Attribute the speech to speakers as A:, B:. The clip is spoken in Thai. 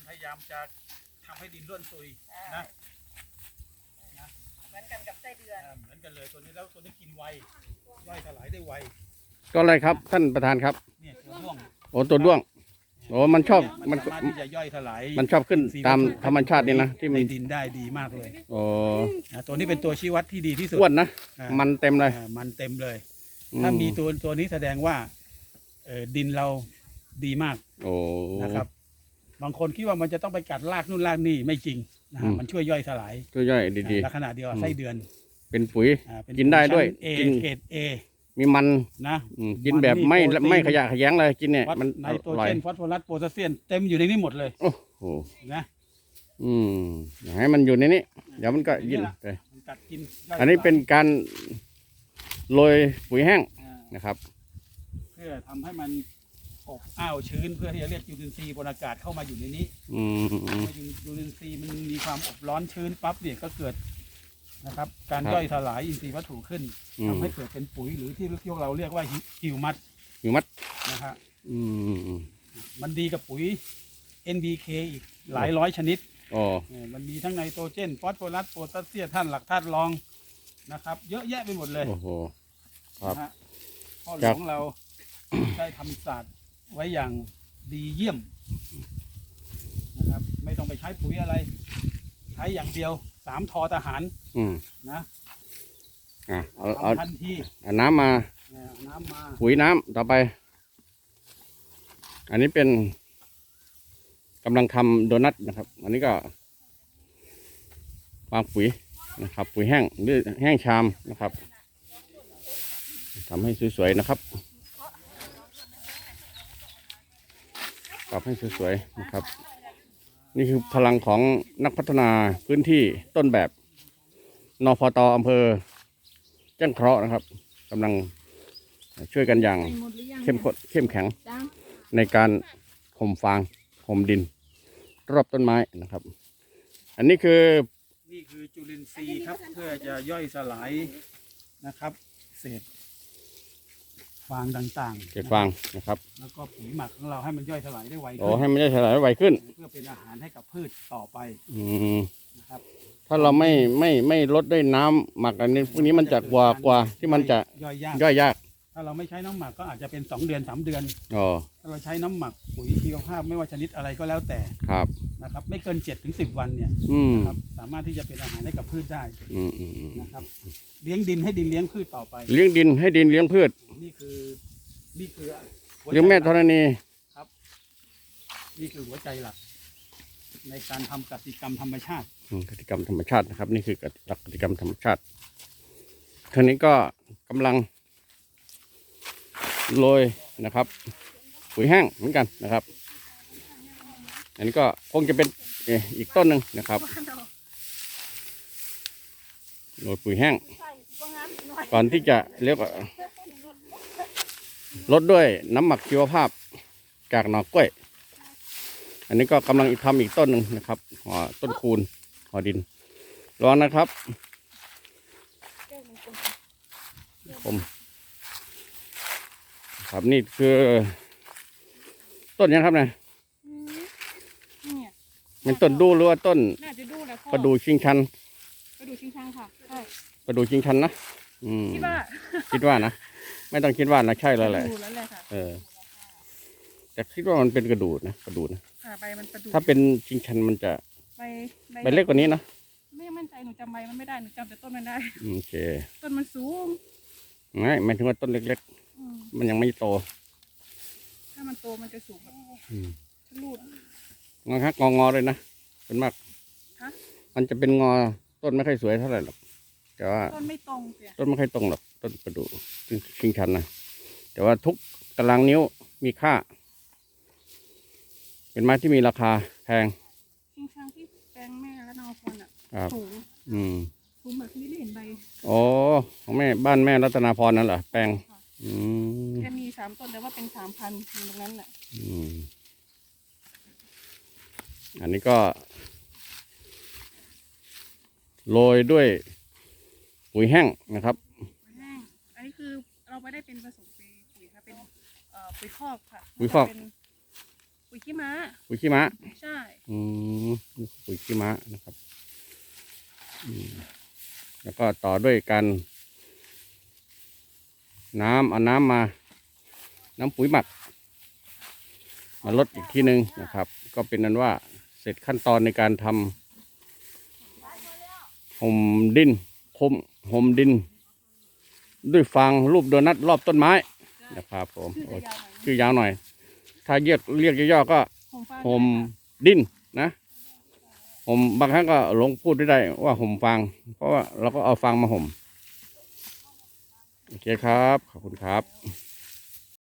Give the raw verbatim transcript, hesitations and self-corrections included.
A: พยายามจะทำให้ดินร่วนซุยนะนะ
B: เหมือนกันกับไส้เดือน
A: เหมือนกันเลยตัวนี้แล้วตัวนี้กินไวย่อยสลายได้ไว
C: ก็อะไรครับท่านประธานครับ
A: เนี่ยตัวด้วง
C: โอ้ตัวด้วงโอ้มันชอบ
A: มันสามารถที่จะย่อยสลาย
C: มันชอบขึ้นตามธรรมชาตินี่นะที่มัน
A: ดินได้ดีมากเลย
C: โอ้
A: ตัวนี้เป็นตัวชี้วัดที่ดีที่สุด
C: อ้วนนะมันเต็มเลย
A: มันเต็มเลยถ้ามีตัวตัวนี้แสดงว่าเออดินเราดีมาก
C: โอ้
A: นะครับบางคนคิดว่ามันจะต้องไปกัดรากนู่นรากนี่ไม่จริงนะมันช่วยย่อยสลาย
C: ช่วยย่อยดี
A: ๆลักษณะเดียวไส้เดือน
C: เป็นปุ๋ยกินได้ด้วย
A: กินเกรดเอ
C: มีมัน
A: นะ
C: กินแบบไม่ไม่ขยะขยงเลยกินเนี่ย
A: มันไนโตรเจนฟอสฟอรัสโพแทสเซียมเต็มอยู่ในนี้หมดเลย
C: โอ้โห
A: นะ
C: อืมให้มันอยู่ในนี้เดี๋ยวมันก็ยินไป
A: กิน
C: อันนี้เป็นการโรยปุ๋ยแห้งนะครับ
A: เพื่อทำให้มันอบอ้าวชื้นเพื่อที่จะเรียกจุลินทรีย์บนอากาศเข้ามาอยู่ในนี้
C: อืม
A: จุลินทรีย์มันมีความอบร้อนชื้นปั๊บเนี่ยก็เกิดนะครับการย่อยสลายอินทรีย์วัตถุขึ้นทำให้เกิดเป็นปุ๋ยหรือที่พวกเราเรียกว่าฮิวมัส
C: ฮิวมัส
A: นะฮะมันดีกับปุ๋ย เอ็น พี เค อีกหลายร้อยชนิด
C: อ๋อ
A: มันมีทั้งไนโตรเจนฟอสฟอรัสโพแทสเซียมธาตุหลักธาตุรองนะครับเยอะแยะไปหมดเลย
C: โอ้โหครับ
A: พ่อหลวงเราได้ทำศาสตร์ไว้อย่างดีเยี่ยมนะครับไม่ต้องไปใช้ปุ๋ยอะไรใช้อย่างเดียวสามทอทหารนะ
C: อ่ะเอาเอา
A: ทันที
C: เอาน้ำมา
A: น้ำมา
C: ปุ๋ยน้ำต่อไปอันนี้เป็นกำลังทำโดนัทนะครับ อันนี้ก็วางปุ๋ยนะครับปุ๋ยแห้งหรือแห้งชามนะครับทำให้สวยๆนะครับปรับให้สวยๆนะครับนี่คือพลังของนักพัฒนาพื้นที่ต้นแบบนพต.อำเภอแจ้งเคราะห์นะครับกำลังช่วยกันอย่างเข้มข้นเข้มแข็งในการห่มฟางห่มดินรอบต้นไม้นะครับอันนี้คือ
A: นี่คือจุลินทรีย์ครับเพื่อจะย่อยสลายนะครับเศษฟางต่างๆ
C: เศษฟางนะครับ
A: แล้วก็ปุ๋ยหมักของเราให้มันย่อยสลายได้ไวขึ้น
C: โอ้ให้มันย่อยสลายได้ไวขึ้น
A: เพื่อเป็นอาหารให้กับพืชต่อไป
C: อืมนะครับถ้าเราไม่ไม่ไม่ลดด้วยน้ำหมักอันนี้พวกนี้มันจะกว่ากว่าที่มันจะ
A: ย่อยยาก
C: ย่อยยาก
A: ถ้าเราไม่ใช้น้ำหมักก็อาจจะเป็นสองเดือนสามเดือน
C: อ๋อ
A: ถ้าเราใช้น้ำหมักปุ๋ยชีวภาพไม่ว่าชนิดอะไรก็แล้วแต่
C: ครับ
A: นะครับไม่เกินเจ็ดถึงสิบวันเนี่ยนะครับสามารถที่จะเป็นอาหารให้กับพืชได้นะครับเลี้ยงดินให้ดินเลี้ยงพืชต่อไป
C: เลี้ยงดินให้ดินเลี้ยงพืช
A: นี่คือนี่คือ
C: เลี้ยงแม่ธรณี
A: ครับนี่คือหัวใจหลักในการทำกติกรรมธรรมชาติ
C: กติกรรมธรรมชาตินะครับนี่คือหลักกติกรรมธรรมชาติทีนี้ก็กำลังโรยนะครับปุ๋ยแห้งเหมือนกันนะครับอันนี้ก็คงจะเป็นอีกต้นหนึ่งนะครับโรยปุ๋ยแห้งก่อนที่จะเรียกว่าลดด้วยน้ำหมักชีวภาพจากหน่อกล้วยอันนี้ก็กำลังทำอีกต้นหนึ่งนะครับห่อต้นคูณห่อดินร้อนนะครับผมครับนี่คือต้นยังครับเนี่ยเป็นต้นดูหรือว่าต้นประดู่ชิงชัน
B: ประดู่ชิงชันค่ะใช่
C: ประดู่ชิงชันนะอืม
B: คิดว่า
C: คิดว่านะไม่ต้องคิดว่านะใช่แล้วแหละเออแต่คิดว่ามันเป็นกระดูกนะกระดูกนะถ้าเป็นชิงชันมันจะ
B: ใบ
C: ใบเล็กกว่านี้นะ
B: ไม่มั่นใจหนูจำใบมันไม่ได้หนูจำแต่ต้นมันได้
C: โอเค
B: ต้นมันสูง
C: ไม่หมายถึงว่าต้นเล็กๆมันยังไม่โต
B: ถ้ามันโตมันจะสูงแบบลูด
C: งอครับงองอเลยนะเป็นมากมันจะเป็นงอต้นไม่ค่อยสวยเท่าไหร่หรอกแต่ว่า
B: ต้นไม่ตรง
C: ต้นไม่ค่อยตรงหรอกต้นประดู่ชิงชันนะแต่ว่าทุกตารางนิ้วมีค่าเป็นไม้ที่มีราคาแพง
B: ชิงชันที่แปลงแม่และนอพรอ่ะสูง
C: อืม
B: สูงแบบที่ไม่เห็นใบ
C: อ๋อของแม่บ้านแม่รัตนาพรนั่นเหรอแปลงอืม
B: แค่มีสามต้นแต่ว่าเป็นสามพันอยู่ตรงนั้นแหละ
C: อืมอันนี้ก็โรยด้วยปุ๋ยแห้งนะครับ
B: ปุ๋ยแห้งอันนี้คือเราไม่ได้เป็นผสมปุ๋ยค่ะเป็นปุ๋ยคอกค่ะ
C: ปุ๋ยคอก
B: ปุ๋ยขี้ม้า
C: ปุ๋ยขี้ม้า
B: ใช่
C: อืมนี่ปุ๋ยขี้ม้านะครับอืมแล้วก็ต่อด้วยการน้ำเอาน้ำมา น้ำปุ๋ยหมัก มาลดอีกทีหนึ่งนะครับ ก็เป็นนั้นว่าเสร็จขั้นตอนในการทำห่มดินห่มห่มดิน ด้วยฟางรูปโดนัทรอบต้นไม้นะครับผมโอ้ชื่อยาวหน่อย ถ้าเรียกเรียกย่อๆก็
B: ผมฟ้า
C: ห่มดินนะห่มบางครั้งก็หลงพูดไม่ได้ว่าห่มฟาง เพราะว่าเราก็เอาฟางมาห่ม โอเคครับ ขอบคุณครับ